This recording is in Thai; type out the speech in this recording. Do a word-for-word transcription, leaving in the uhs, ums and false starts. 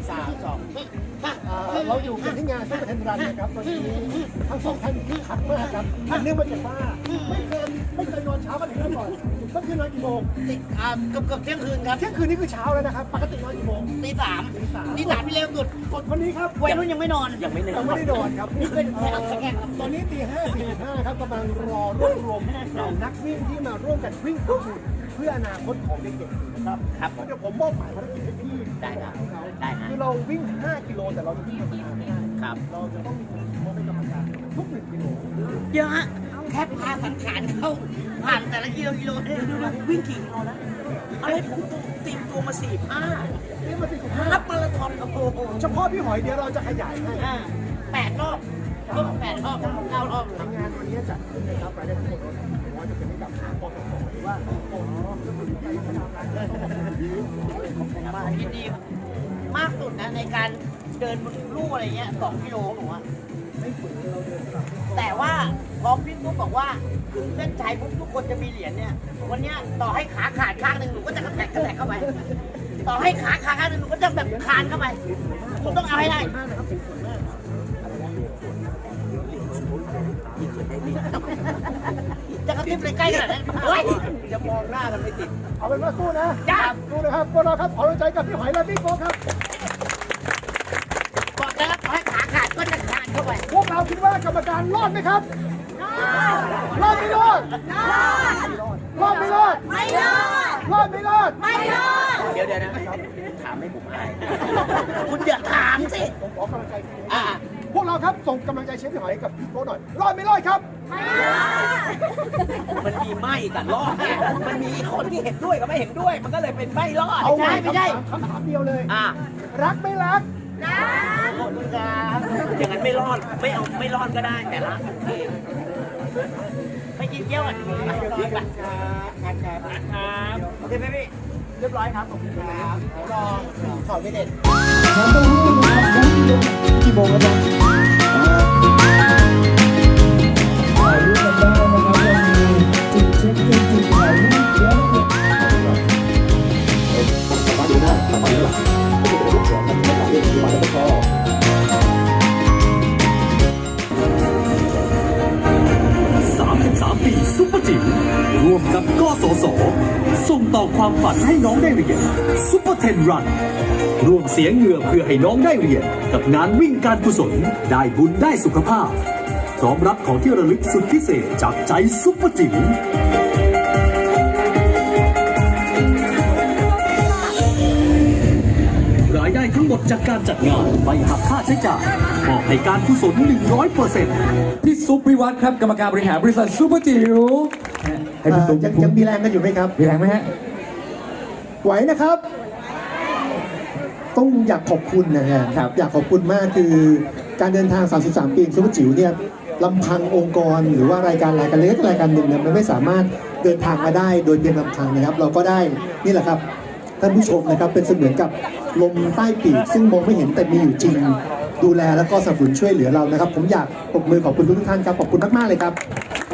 สามสองเราอยู่กันที่งานซุปเปอร์เทนรันนะครับวันนี้ทั้งสองท่านคึกคักมากครับอันเนื่องมาจากว่าไม่เคยไม่เคยนอนเช้ามาถึงแล้วก่อนก็คือนอนกี่โมงติดอ่าเกือบเกือบเที่ยงคืนครับเที่ยงคืนนี่คือเช้าแล้วนะครับปกตินอนกี่โมงตีสามตีสามตีสามที่เร็วสุดกดวันนี้ครับวัยรุ่นยังไม่นอนยังไม่นอนยังไม่ได้นอนครับนี่เป็นแค่แข่งครับตอนนี้ตีห้าสี่สิบห้าครับกำลังรอรวบรวมเหล่านักวิ่งที่มาร่วมกันวิ่งเพื่ออนาคตของเด็กๆนะครับครับเดี๋ยวผมมอบหมายภารกิจให้พี่ได้ครับได้ครับคือเราวิ่งห้ากิโลแต่เราจะวิ่งประมาณห้าครับเราจะต้องมีคนมอบให้กรรมการทุกหนึ่งกิโลเยอะฮะแค่พาสังขารเข้าผ่านแต่ละกิโลกิโลเนี่ยดูดูวิ่งกี่กิโลนะอะไรผมตีมตัวมาสี่ห้านี่มาสี่สิบห้ารับมาราธอนโอ้โหเฉพาะพี่หอยเดี๋ยวเราจะขยายให้แปดรอบก็แปดรอบเก้ารอบทำงานวันนี้จัดขึ้นนะครับรายได้ทั้งหมดว่าจะเป็นให้กับปตทหรือว่าปตทก็คือไปทำงานมายินดีมากสุดนะในการเดินบนลู่อะไรเงี้ยสองกิโลผมว่าแต่ว่าพอพี่ปุ๊บบอกว่าถึงเส้นชัยปุ๊บทุกคนจะมีเหรียญเนี่ยวันนี้ต่อให้ขาขาดข้างหนึ่งหนูก็จะกระแทกกระแทกเข้าไปต่อให้ขาขาข้างหนึ่งหนูก็จะแบบคานเข้าไปคุณต้องเอาให้ได้จะกระติบเลยใกล้ขนาดนั้นเฮ้ยจะมองหน้ากันไม่ติดเอาเป็นว่าสู้นะสู้นะครับพวกเราครับขอใจกับพี่หอยและพี่โก้ครับบอกแล้วให้ขาขาดก็จะคานเข้าไปพวกเราคิดว่ากรรมการรอดไหมครับรอดไม่รอดรอดไม่รอดไม่รอดรอดไม่รอดไม่รอดเดี๋ยวเดี๋ยวนะถามให้ผมอายคุณอย่าถามสิผมขอกำลังใจอ่าพวกเราครับส่งกำลังใจเชฟพี่หอยกับพี่โก้หน่อยรอดไม่รอดครับมันมีไม่กับรอดเนี่ยมันมีคนที่เห็นด้วยกับไม่เห็นด้วย มันก็เลยเป็นไม่รอดเอาไม่ไม่ได้คำถามเดียวเลยอ่ะรักไม่รักรักหมดเลยครับอย่างนั้นไม่รอดไม่เอาไม่รอดก็ได้แต่ละไปกินเยี่ยวอ่ะร้อยบาทครับครับโอเคไหมพี่เรียบร้อยครับผมครับรอขอไม่เด็ดกี่โมงแล้วจ๊ะถ่ายรูปกันได้นะครับจุดเช็คอินจุดถ่ายรูปเยอะเลยมาดูหน้ามาดูหลังไม่ได้เป็นรูปเสือมันเป็นหลังเรื่องที่มาแล้วก็สามสิบสามปีซุปเปอร์จิ๋วร่วมกับกสศส่งต่อความฝันให้น้องได้เรียนซุปเปอร์เทนรันร่วมเสียเหงื่อเพื่อให้น้องได้เรียนกับงานวิ่งการกุศลได้บุญได้สุขภาพพร้อมรับของที่ระลึกสุดพิเศษจากใจซุปเปอร์จิ๋วรายได้ทั้งหมดจากการจัดงานไม่หักค่าใช้จ่ายมอบให้การกุศล หนึ่งร้อยเปอร์เซ็นต์พี่ซุปวิวัฒน์ครับกรรมการบริหารบริษัทซุปเปอร์จิ๋วให้พี่ซุปยังยังมีแรงกันอยู่ไหมครับมีแรงไหมฮะไหวนะครับต้องอยากขอบคุณนะครับอยากขอบคุณมากคือการเดินทางสามสิบสามปีซุปเปอร์จิ๋วเนี่ยลำพังองค์กรหรือว่ารายการรายการเล็กรายการหนึ่งเนี่ยมันไม่สามารถเดินทางมาได้โดยเพียงลำพังนะครับเราก็ได้นี่แหละครับท่านผู้ชมนะครับเป็นเสมือนกับลมใต้ปีกซึ่งมองไม่เห็นแต่มีอยู่จริงดูแลแล้วก็สนับสนุนช่วยเหลือเรานะครับผมอยากปรบมือขอบคุณทุกท่านครับขอบคุณมากๆเลยครับ